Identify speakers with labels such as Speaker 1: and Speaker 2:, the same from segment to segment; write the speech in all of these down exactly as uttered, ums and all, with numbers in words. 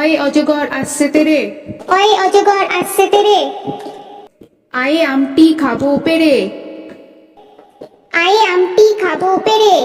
Speaker 1: ওই অজগর আসছে তেরে,
Speaker 2: ওই অজগর আসছে তেরে,
Speaker 1: আয়ে আমটি খাবো পেরে,
Speaker 2: আয়ে আমটি খাবো পেরে,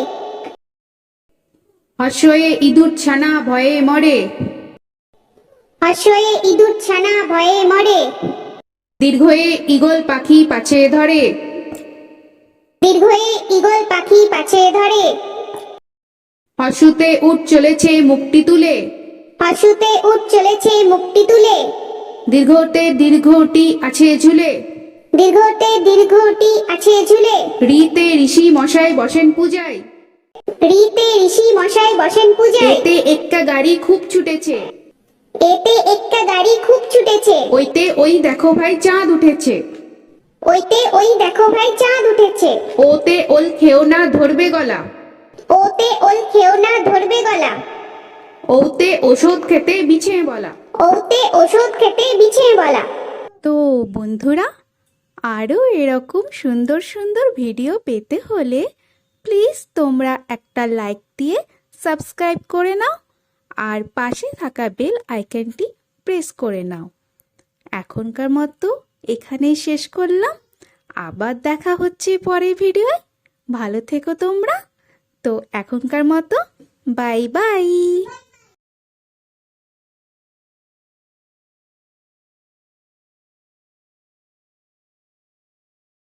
Speaker 1: হর্ষয়ে ইঁদুর ছানা ভয়ে মরে,
Speaker 2: হর্ষয়ে ইঁদুর ছানা ভয়ে মরে,
Speaker 1: দীর্ঘয়ে ঈগল পাখি পাছে ধরে,
Speaker 2: দীর্ঘয়ে ঈগল পাখি পাছে ধরে,
Speaker 1: হর্ষুতে উঠ চলেছে মুখটি তুলে,
Speaker 2: হর্ষুতে উঠ চলেছে মুখটি তুলে,
Speaker 1: দীর্ঘতে দীর্ঘটি আছে ঝুলে,
Speaker 2: দীর্ঘতে দীর্ঘটি আছে ঝুলে,
Speaker 1: রিতে ঋষি মশাই বসেন পূজায়,
Speaker 2: রিতে ঋষি মশাই বসেন পূজায়,
Speaker 1: এতে একটা গাড়ি খুব ছুটেছে,
Speaker 2: এতে একটা গাড়ি খুব ছুটেছে,
Speaker 1: ওইতে ওই দেখো ভাই চাঁদ উঠেছে,
Speaker 2: ওইতে ওই দেখো ভাই চাঁদ উঠেছে,
Speaker 1: ওতে ওল খেও না ধরবে গলা,
Speaker 2: ওতে ওল খেও না ধরবে গলা,
Speaker 1: ওতে ওষুধ খেতে বিছিয়ে বলা।
Speaker 2: ওতে ওষুধ খেতে বিছিয়ে বলা।
Speaker 3: তো বন্ধুরা, আরও এরকম সুন্দর সুন্দর ভিডিও পেতে হলে প্লিজ তোমরা একটা লাইক দিয়ে সাবস্ক্রাইব করে নাও আর পাশে থাকা বেল আইকনটি প্রেস করে নাও। এখনকার মতো এখানেই শেষ করলাম, আবার দেখা হচ্ছে পরের ভিডিওয়। ভালো থেকো তোমরা। তো এখনকার মতো বাই বাই।